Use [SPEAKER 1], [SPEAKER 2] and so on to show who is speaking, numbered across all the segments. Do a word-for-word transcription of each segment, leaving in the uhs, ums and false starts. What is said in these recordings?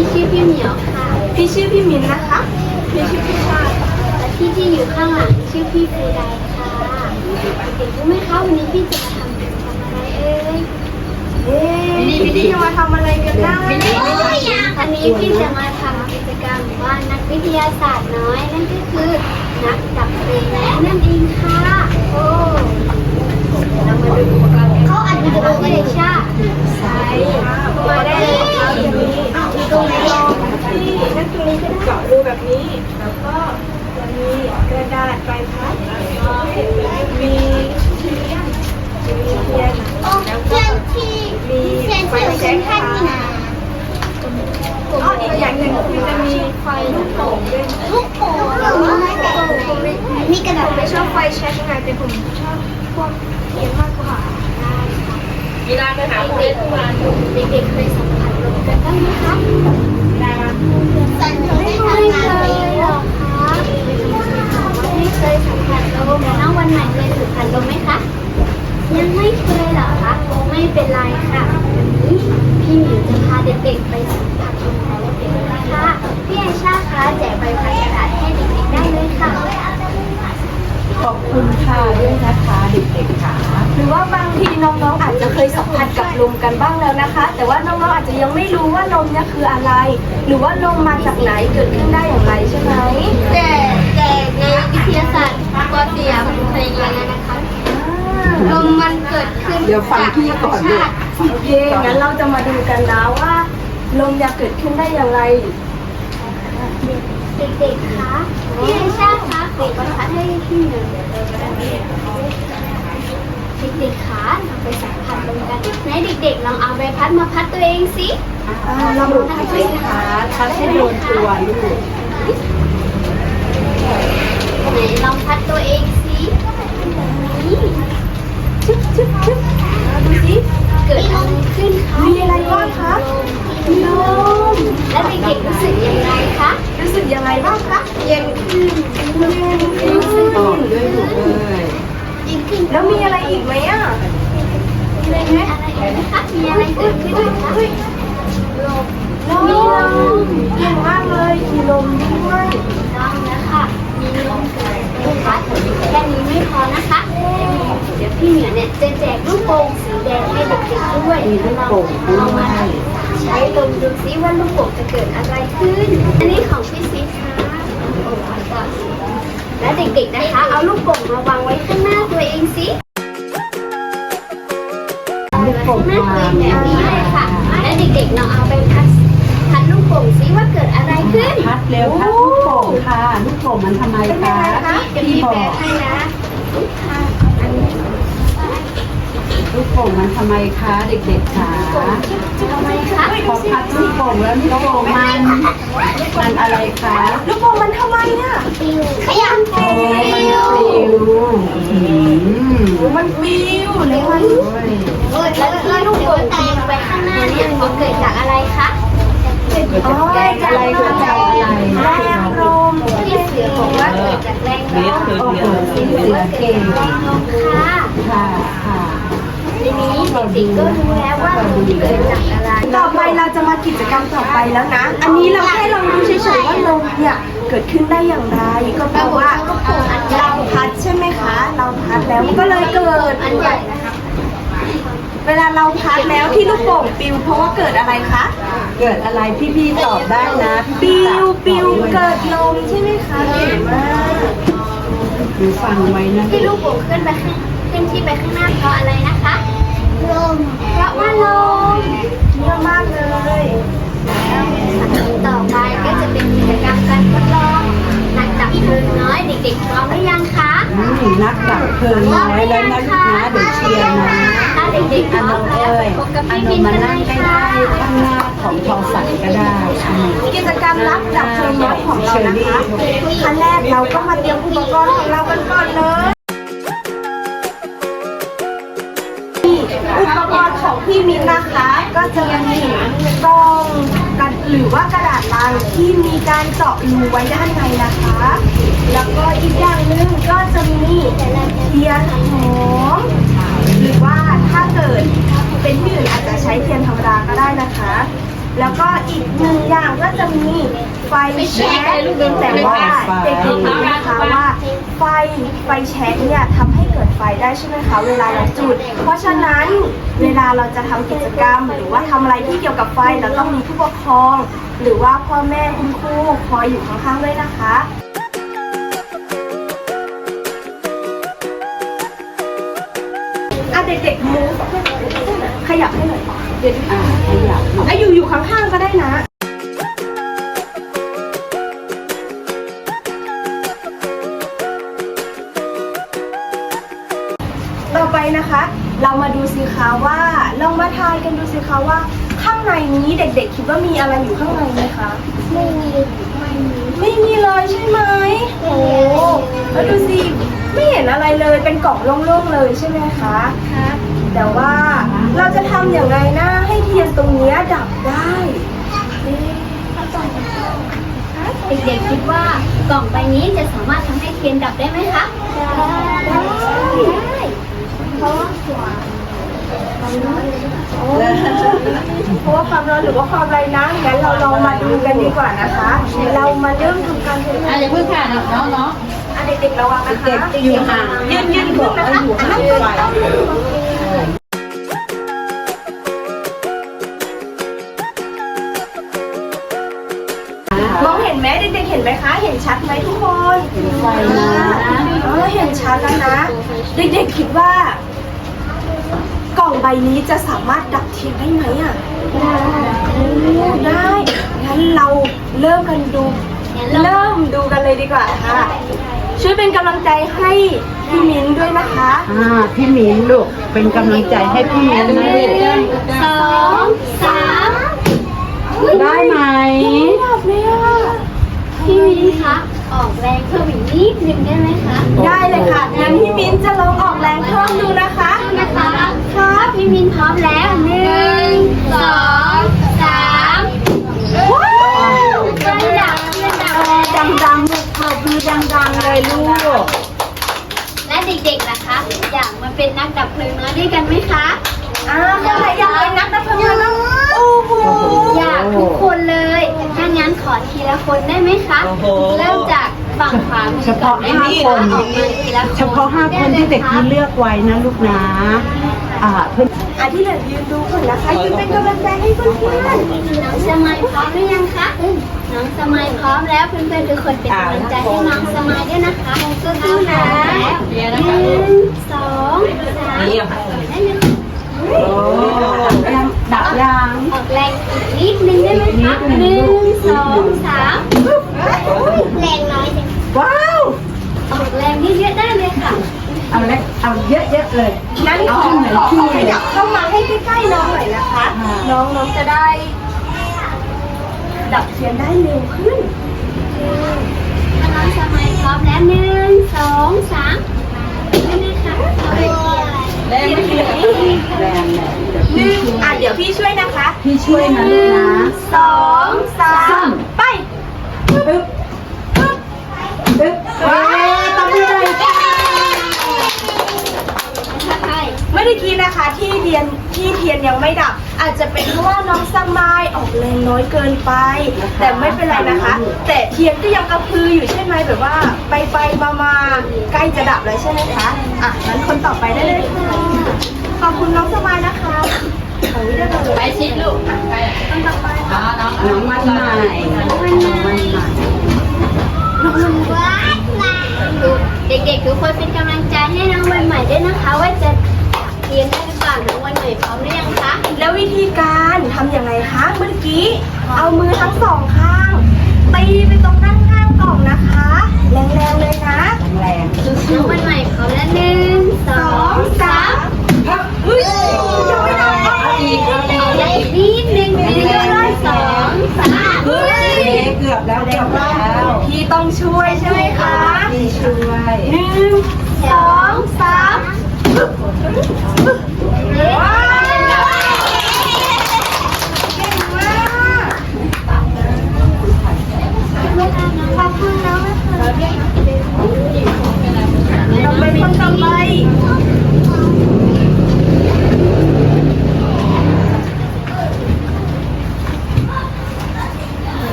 [SPEAKER 1] พี่ชื่อพี่เหมียวค่ะ
[SPEAKER 2] พี่ชื่อพี่มินนะคะพี่ชื่อพี่ชาติ
[SPEAKER 1] และพี่ที่อยู่ข้างหลังชื่อพี่ฟูไดค่ะเด็กๆรู้ไหมคะวันนี้พี่จะมาทำกิจกรรมอะไรเอ่ย
[SPEAKER 2] เอ๊ะพี่จะมาทำอะไรกันนะ
[SPEAKER 1] อันนี้พี่จะมาทำกิจกรรมว่านักวิทยาศาสตร์น้อยนั่นก็คือนักดับเพลิงนั่นเองค่ะโอ้เรามาดูอุปกรณ์เขาอัดวิดีโอกันเลยช่าใช่
[SPEAKER 2] มาได้เลยค่ะตรงนี้มีตรงนี้ลองที่นั่นตรงนี้ก็เจาะรูแบบนี้แล้วก็จะมีกระดาษใบพัดมีเทียนมีเทียนแล้วก็มีไฟแช็กค่ะอ๋ออีกอย่างหนึ่งคือจะมีไฟลูกโป่งด้วย
[SPEAKER 1] ลูกโป่ง
[SPEAKER 2] มีกระดาษไม่ชอบไฟแช็กไงแต่ผมชอบพวกเทียนมากกว่า
[SPEAKER 1] เวลาไปหาเพื่อนทุกวันเด็กๆเคยสัมผัสลมกันบ้างไหมคะสัมผัสไม่เคยเลยหรอคะไม่เคยสัมผัสลมแล้ววันไหนเคยสัมผัสลมไหมคะยังไม่เคยหรอคะไม่เป็นไรค่ะวันนี้พี่หมิวจะพาเด็กๆไปสัมผัสลมของเด็กๆนะคะพี่ไอชาคะแจกใบพัดกระดาษให้เด็กๆได้เลยค่ะ
[SPEAKER 3] ขอบคุณค่ะด้วยนะคะเด็กๆค่ะ
[SPEAKER 2] หรือว่าบางทีน้องๆอาจจะเคยสัมผัสกับลมกันบ้างแล้วนะคะ แต่ว่าน้องๆอาจจะยังไม่รู้ว่าลมเนี่ยคืออะไร หรือว่าลมมาจากไหนเกิดขึ้นได้อย่างไรใช่ไหม
[SPEAKER 1] แต่แต่ในวิทยาศาสตร์ปอเตียมเคยเรียนแล้วนะคะลมมันเกิดขึ้น
[SPEAKER 3] เดี๋ยวฟังพี่ก่อนเลย
[SPEAKER 2] โอเคงั้นเราจะมาดูกันนะว่าลมจะเกิดขึ้นได้อย่างไร
[SPEAKER 1] เด็กๆคะพี่ไอชาคะขอประทัดให้พี่หนึ่งเด็กๆคะเราไปสัมผัสลมกันไหนเด็กๆลองเอาใบพัดมาพัดตัวเองสิ
[SPEAKER 3] เราลองพัดสิคะพัดให้โดนตัวลูก
[SPEAKER 1] ไหนลองพัดตัวเองสินี่ชึบชึบชึบดูสิเกิดอะไรขึ้นคะ
[SPEAKER 2] มีอะไรบ้างคะ
[SPEAKER 1] ลมแล้วเด็กๆรู้สึกยังไงคะ
[SPEAKER 2] รู้สึกยังไงบ้างคะ
[SPEAKER 1] เย็นขึ้น
[SPEAKER 2] เย็นขึ้น
[SPEAKER 3] ต่อด้วยลูกเลย
[SPEAKER 1] เย็นขึ้น
[SPEAKER 2] แล้วมีอะไรอีกไหมอ่ะ
[SPEAKER 1] มีอะไรอีกไหมคะมีอะไรเกิดขึ้นคะลม
[SPEAKER 2] มีลมเก่งมากเลยมีลมด้วย
[SPEAKER 1] ต้องนะคะมีลมเกิดขึ้นคะแค่นี้ไม่พอนะคะเดี๋ยวพี่เหมียวเนี่ยจะแจกลูกโป่งสีแดงให้เด็กๆด้วย
[SPEAKER 3] มีลูกโป่งด้วย
[SPEAKER 1] ใช้ลมดูซิว่าลูกโป่งจะเกิดอะไรขึ้นอันนี้ของพี่ซีค่ะโอ้ยก่อนและเด็กๆนะคะเอาลูกโป่งมาวางไว้ข้างหน้าตัวเองสิ
[SPEAKER 3] ลูกโป่ง
[SPEAKER 1] หน้าตัวเองแบบนี้เลยค่ะและเด็กๆลองเอาไปพัดพัดลูกโป่งซิว่าเกิดอะไรขึ้น
[SPEAKER 3] พัดเร็วพัดลูกโป่งค่ะลูกโป่งมันทำไมคะพี่บอกลูกโป่งมันทำไมคะเด็กๆคะ
[SPEAKER 1] ทำไมคะ
[SPEAKER 3] พอพัดลูกโป่งแล้วลูกโป่งมันมันอะไรคะ
[SPEAKER 2] ลูกโป่งมันทำไมอ่ะ
[SPEAKER 1] ขยับ
[SPEAKER 3] โอ้มันปลิว
[SPEAKER 2] มันวิวเลยมัน
[SPEAKER 1] แล้วที่ลูกโป่งตีไปข้างหน้าเนี่ยมันเกิดจากอะไรคะ
[SPEAKER 3] เกิดจากแรงอะไรเกิดจากอะไร
[SPEAKER 2] แรงลม
[SPEAKER 1] ที่เสือบอกว่าเกิดจากแรงลม
[SPEAKER 3] โอ้โหเสือเก่ง
[SPEAKER 1] แรงลมค่ะ
[SPEAKER 3] ค่ะค่ะ
[SPEAKER 1] ทีนี้เด็กๆก็รู้แล้วว่าลมเกิดจากอะไร
[SPEAKER 2] ต่อไปเราจะมากิจกรรมต่อไปแล้วนะอันนี้เราแค่ลองดูเฉยๆว่าลมเนี่ยเกิดขึ้นได้อย่างไรก็เพราะว่าเราพัดใช่ไหมคะเราพัดแล้วมันก็เลยเกิด
[SPEAKER 1] อันใหญ่นะคะ
[SPEAKER 2] เวลาเราพัดแล้วที่ลูกโป่งปิวเพราะว่าเกิดอะไรคะ
[SPEAKER 3] เกิดอะไรพี่ๆตอบได้นะ
[SPEAKER 2] ปิวปิวเกิดลมใช่ไหมคะเก่งมาก
[SPEAKER 3] ดูฟังไว้นะ
[SPEAKER 1] ที่ลูกโป่งขึ้นไปขึ้นที่ไปข้างหน้าเพราะอะไรนะคะลมเพราะว่าลม
[SPEAKER 2] เยอะมากเลย
[SPEAKER 1] ต่อไปก็จะเป็นกิจกรรมการทดลองนักดับเพลิงน้อยเด็กๆพร้อมหรือยังคะ
[SPEAKER 3] นักดับเพลิงน้อยแล้วนะลูกนะเดี๋ยวเชียร์นะ
[SPEAKER 1] ถ้าเด็กๆพร้อมแล้วไปพบกับพี่บินกันเลยค่ะ
[SPEAKER 3] ข้างหน้าของทอฝันก็ได้
[SPEAKER 2] กิจกรรมรับดับเพลิงน้อยของเรานะคะขั้นแรกเราก็มาเตรียมอุปกรณ์ของเรากันก่อนเลยอุปกรณ์ของพี่มิ้นนะคะก็จะมีกล่องกันหรือว่ากระดาษลังที่มีการเจาะรูไว้ด้านในนะคะแล้วก็อีกอย่างหนึ่งก็จะมีเทียนหอมหรือว่าถ้าเกิดเป็นที่อื่นอาจจะใช้เทียนธรรมดาก็ได้นะคะแล้วก็อีกหนึ่งอย่างก็จะมีไฟแช็กแต่ว่าเด็กๆรู้นะคะว่าไฟไฟแช็กเนี่ยทำให้เกิดไฟได้ใช่ไหมคะเวลาเราจุด เพราะฉะนั้นเวลาเราจะทำกิจกรรม หรือว่าทำอะไรที่เกี่ยวกับไฟเราต้องมีผู้ปกครอง หรือว่าพ่อแม่คุณครูคอยอยู่ข้างๆด้วยนะคะอ่ะเด็กๆมูฟขยับให้หน่อยเดี๋ยว
[SPEAKER 3] อ่าขยับ
[SPEAKER 2] อ่ะอยู่อยู่ข้างๆก็ได้นะ ต่อไปนะคะ เรามาดูสิคะว่าลองมาทายกันดูสิคะว่า ข้างในนี้เด็กๆคิดว่ามีอะไรอยู่ข้างในไหมคะ
[SPEAKER 1] ไม่มีไม่มี
[SPEAKER 2] ไม่มีเลยใช่ไหมโอ้แล้วดูสิไม่เห็นอะไรเลยเป็นกล่องโล่งๆเลยใช่ไหมคะครับแต่ว่าเราจะทำอย่างไรนะให้เทียนตรงเนี้ยดับได้เอ๊ะ
[SPEAKER 1] เด็กๆคิดว่ากล่องใบนี้จะสามารถทำให้เทียนดับได้ไหมคะได้ได้เพราะว่าหัว
[SPEAKER 2] เพราะว่าความร้อนหรือว่าความไรนะงั้นเราลองมาดูกันดีกว่านะคะเรามาเริ่มทำการทดลอง
[SPEAKER 3] อ่ะอย่าเพิ่งค่ะน้องเนาะ
[SPEAKER 2] อ่ะเด็กๆระวังนะคะ
[SPEAKER 3] เด็กๆจะอยู่ห่าง
[SPEAKER 2] ยืนยืนขึ้นนะคะ
[SPEAKER 3] อยู่ห่าง
[SPEAKER 2] นั่ง
[SPEAKER 3] ไฟ
[SPEAKER 2] มองเห็นไหมเด็กๆเห็นไหมคะ เห็นชัดไหมทุกคน
[SPEAKER 3] ไฟนะ
[SPEAKER 2] เออเห็นชัดแล้วนะ เด็กๆคิดว่า กล่องใบนี้จะสามารถดับเทียนได้ไหมอ่ะได้ งั้นเราเริ่มกันดู เริ่มดูกันเลยดีกว่าค่ะ ช่วยเป็นกำลังใจให้พี่มิ้นด้วยนะคะ
[SPEAKER 3] อ่าพี่หมิงลูกเป็นกำลังใจให้พี่หมิงนะลูก
[SPEAKER 1] สองสาม
[SPEAKER 3] ได้ไหม
[SPEAKER 2] ไม่ดับเลยอ่ะ
[SPEAKER 1] พี่มินคะออกแรงเพิ่มอีกนิดนึงได้ไหมคะ
[SPEAKER 2] ได้เลยค่ะ งั้นพี่มิ้นจะลองออกแรงเพิ่มดูนะคะ
[SPEAKER 1] นะคะครับพี่มินพร้อมแล้วหนึ่งสองสามว้าวเทียนดับเทียนดับแล้ว
[SPEAKER 3] ดังๆลูกปรบมือดังๆเลยลูก
[SPEAKER 1] และเด็กๆล่ะคะ อยากมาเป็นนักดับเพลิงน้อยด้วยกันไหมคะ
[SPEAKER 2] อ่าคนไหนอยากเป็นนักดับเพลิงไหมบ้างโอ้โห
[SPEAKER 1] อยากทุกคนเลย ถ้างั้นขอทีละคนได้ไหมคะ เริ่มจากฝั่งขวามือ
[SPEAKER 3] เฉพาะห้าคน
[SPEAKER 1] ออกมาทีละคน
[SPEAKER 3] เฉพาะห้าคนที่เด็กที่เลือกไว้นะลูกนะ อ่าเพื่อน
[SPEAKER 2] อ่ะที่เหลือยืนดูก่อนนะคะยืนเป็นกำลังใจให้เพื่อน
[SPEAKER 1] น้องสมัยพร้อมหรือยังคะ น้องสมัยพร้อมแล้วเพื่อนๆทุกคนเป็นกำลังใจให้น้องสมัยด้วยนะคะสู้ๆนะหนึ่งสองสามได้เลย
[SPEAKER 3] โอ้ยังดับยัง
[SPEAKER 1] ออกแรงอีกนิดนึงได้ไหมคะหนึ่งสองสามแรงน้อยจัง
[SPEAKER 3] ว้าว
[SPEAKER 1] ออกแรงเยอะๆได้เลยค่ะ
[SPEAKER 3] เอาเล็กเอาเยอะๆเลย
[SPEAKER 2] ๆงั้นขอขอขอขยับเข้ามาให้ใกล้ๆน้องหน่อยนะคะ น้องน้องจะได้ ดับเทียนได้เร็วขึ้น
[SPEAKER 1] ถ้าน้องสมัยพร้อมแล้วหนึ่งสองสามได้เลยค่ะเอาเลย
[SPEAKER 2] แรงไหม
[SPEAKER 3] แรงแรง
[SPEAKER 2] หนึ่งอ่ะเดี๋ยวพี่ช่วยนะคะ
[SPEAKER 3] พี่ช่วยนะลูกนะ
[SPEAKER 2] สองสามไป
[SPEAKER 3] ปึ๊บปึ๊บปึ๊บเอ๊ะต้องมีอะไรกัน
[SPEAKER 1] ใช่
[SPEAKER 2] ไม่ได้คิดนะคะที่เทียนที่เทียนยังไม่ดับ อาจจะเป็นเพราะว่าน้องสมายออกแรงน้อยเกินไป แต่ไม่เป็นไรนะคะ แต่เทียนก็ยังกระพืออยู่ใช่ไหมแบบว่าไปไปมามาใกล้จะดับแล้วใช่ไหมคะอ่ะงั้นคนต่อไปได้เลยค่ะขอบคุณน้องสมายนะคะของวิทยาลัยไปชิดลูกไปคนต่อไปค่ะ
[SPEAKER 3] น้องมันใหม่น้องมันใหม่
[SPEAKER 1] ว้ายเด็กๆทุกคนเป็นกำลังใจให้น้องวันใหม่ด้วยนะคะ ว่าจะเรียนได้หรือเปล่าน้องวันใหม่พร้อมหรือยังคะ
[SPEAKER 2] แล้ววิธีการทำอย่างไรคะเมื่อกี้เอามือทั้งสองข้างตีไปตรงด้านข้างกล่องนะคะ แรงๆเลยนะ
[SPEAKER 3] แรง
[SPEAKER 1] น้องวันใหม่พร้อมแล้วหนึ่งสองสาม
[SPEAKER 2] เฮ้ยยังไม่ดับอ่ะ
[SPEAKER 3] อีก
[SPEAKER 1] เอาได้อีกนิดนึงเยอะๆเลยสองสาม
[SPEAKER 2] เฮ้ย
[SPEAKER 3] เกือบแล้วเกือบแล้ว
[SPEAKER 2] พี่ต้องช่วยใช่ไหมคะ
[SPEAKER 3] พี่ช่วย
[SPEAKER 2] หนึ่งสองสามว้าวเก่งมากขอบคุณน้องนะคะเราเป็นคนต่อไป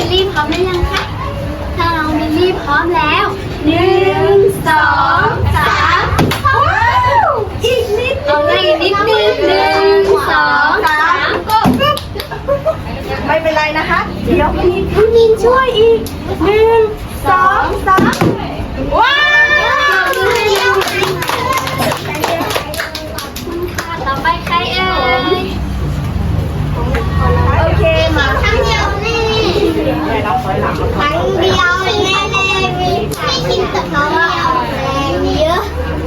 [SPEAKER 1] ลี่พร้อมหรือยังคะถ้าน้องมิลลี่พร้อมแล้วหนึ่งสองสามว้าวอีกนิดเอาได้อีกนิดนึงหนึ่งสองสามก็
[SPEAKER 2] ไม่เป็นไรนะคะ เดี๋ยวพี่พี่มินช่วยอีกหนึ่งสองสามว้าว
[SPEAKER 1] ต่อไปใครเอ่ย
[SPEAKER 2] โอเคมา
[SPEAKER 1] ครั้งเดียวแน่ครั้งเดียวแน่แน่มีใครกินแต่น้องเดียวแรงเยอะ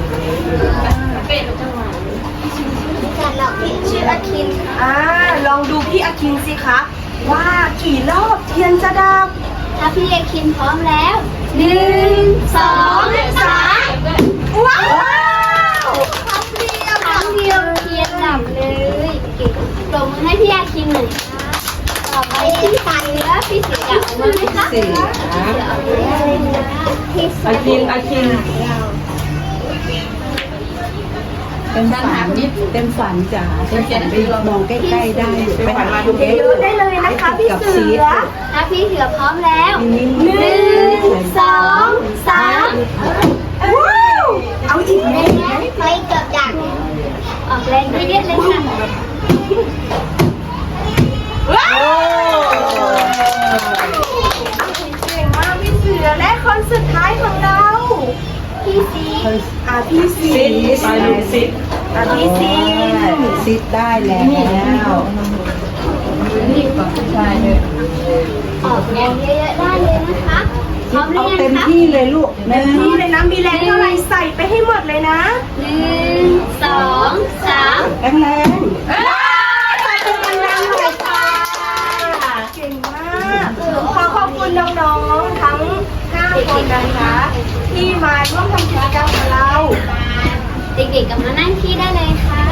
[SPEAKER 1] แต่เราพี่ชื่ออาคิน
[SPEAKER 2] อ่าลองดูพี่อาคินสิคะว่ากี่รอบเทียนจะดับ
[SPEAKER 1] ถ้าพี่อาคินพร้อมแล้วหนึ่งสองสามว้าวครั้งเดียวครั้งเดียวเทียนดับเลยเก่งปรบมือให้พี่อาคินหน่อยค่ะต่อไปพี่เสือพี่เสืออยากออกมาไหมคะ
[SPEAKER 3] สี่
[SPEAKER 1] พี่เสือออกมาเลยนะพี่เสื
[SPEAKER 3] อาคินอาคินเต็มฝันเต็มฝันจ๋าเต็มฝันไปมองใกล้ๆได้อยู่ไปหันมาดู
[SPEAKER 2] เยอะๆได้เลยนะคะพี่เสือ
[SPEAKER 1] ถ้าพี่เสือพร้อมแล้ว
[SPEAKER 3] หนึ่
[SPEAKER 1] หนึ่งสองสาม
[SPEAKER 2] ว้าวเอาอีกไหม
[SPEAKER 1] ไปเกือบดักออกแรงนิดเดียวเลยค่ะ
[SPEAKER 2] ว้าวเก่งมากพี่เสือและคนสุดท้ายของเรา
[SPEAKER 1] พี่ซี
[SPEAKER 2] อ่าพี่ซี
[SPEAKER 3] ไปลูกซิด
[SPEAKER 2] อ่าพี่ซี
[SPEAKER 3] ซิดได้แล้ว
[SPEAKER 1] ออกแรงเยอะๆได้เลยนะคะพร้อมหรื
[SPEAKER 3] เอา
[SPEAKER 1] อยั
[SPEAKER 3] เต็
[SPEAKER 1] ง
[SPEAKER 3] ม
[SPEAKER 1] คะ
[SPEAKER 3] ที่เลยลูกหนึ่ง
[SPEAKER 2] นี่เลยนะมีแรงเท่าไหร่ใส่ไปให้หมดเลยนะ
[SPEAKER 1] หนึ่งสองสาม
[SPEAKER 3] แรงแรง
[SPEAKER 2] ใส่เป็นกำลังหน่อยค่ะเก่งมากขอขอบคุณน้องๆทั้งห้าคนนะคะที่มาร่วมทำกิจกรรมกับเรา
[SPEAKER 1] เด็กๆกลับมานั่งที่ได้เลยค่ะ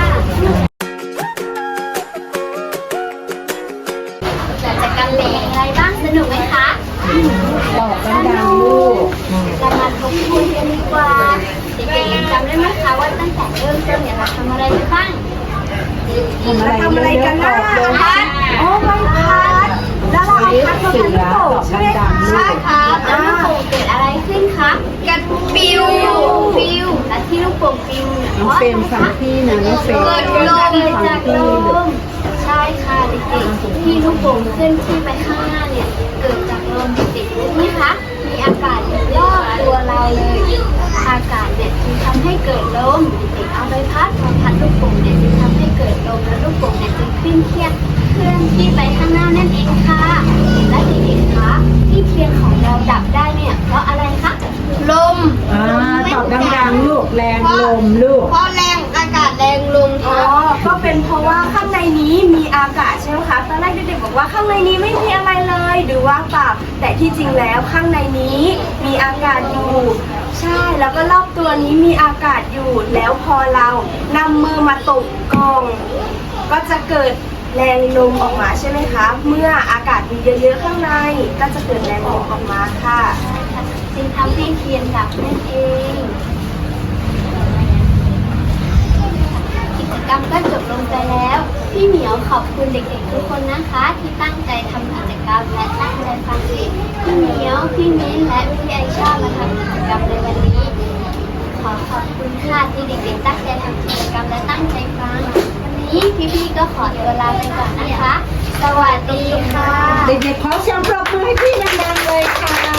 [SPEAKER 1] หลังจากการเรียนอะไรบ้างสนุกไหมคะ
[SPEAKER 3] บอกดังๆลูก
[SPEAKER 1] เรามาทบทวนกันดีกว่าเด็กๆยังจำได้ไหมคะว่าตั้งแต่เริ่มต้นเนี่ยเราทำอะไรไปบ้าง
[SPEAKER 2] มาทำอะไรกันนะ
[SPEAKER 3] เยอะๆ
[SPEAKER 2] พัดโอ้ไม่พัดแล้วเราเอาพัดมาพันลูกโป่งใช่ไหมคะ
[SPEAKER 1] ใช่ครับแล้วลูกโป่งเกิดอะไรขึ้นคะกันปิวปิวและที่ลูกโป่งปิวเนี่ย
[SPEAKER 3] น้องเฟรมฟังพี่นะน้องเฟรม
[SPEAKER 1] เกิดลมเกิดจากลมใช่ค่ะเด็กๆที่ลูกโป่งเคลื่อนที่ไปข้างหน้าเนี่ยเกิดจากลมเด็กๆรู้ไหมคะมีอากาศอยู่รอบตัวเราเลยอากาศเนี่ยจึงทำให้เกิดลมเด็กๆเอาใบพัดมาพัดลูกโป่งเนี่ยจึงทำให้เกิดลมแล้วลูกโป่งเนี่ยจึงขึ้นเทียบเคลื่อนที่ไปข้างหน้านั่นเองค่ะและเด็กๆคะที่เทียนของเราดับได้เนี่ยเพราะอะไรคะลม
[SPEAKER 3] อ่าตอบดังๆลูกแรงลมลูก
[SPEAKER 1] เพราะแรงอากาศแรงลม
[SPEAKER 2] อ๋อ ก็เป็นเพราะว่าข้างในนี้มีอากาศใช่ไหมคะ ตอนแรกเด็กๆบอกว่าข้างในนี้ไม่มีอะไรเลยหรือว่างเปล่า แต่ที่จริงแล้วข้างในนี้มีอากาศอยู่ ใช่ แล้วก็รอบตัวนี้มีอากาศอยู่ แล้วพอเรานำมือมาตบกล่อง ก็จะเกิดแรงลมออกมาใช่ไหมคะ เมื่ออากาศมีเยอะๆข้างใน ก็จะเกิดแรงลมออกมาค่ะ
[SPEAKER 1] จึงทำให้เทียนดับนั่นเอง กิจกรรมก็จบลงไปแล้ว พี่เหมียวขอบคุณเด็กๆทุกคนนะคะ ที่ตั้งใจทำกิจกรรมและตั้งใจฟังพี่เหมียว พี่มิ้นและพี่ไอชามาทำกิจกรรมในวันนี้ ขอขอบคุณค่ะที่เด็กๆตั้งใจทำกิจกรรมและตั้งใจฟัง วันนี้พี่ๆก็ขอตัวลาไปก่อนนะคะ สวัสดีค่ะ
[SPEAKER 3] เด็กๆขอเสียงปรบมือให้พี่ดังๆเลยค่ะ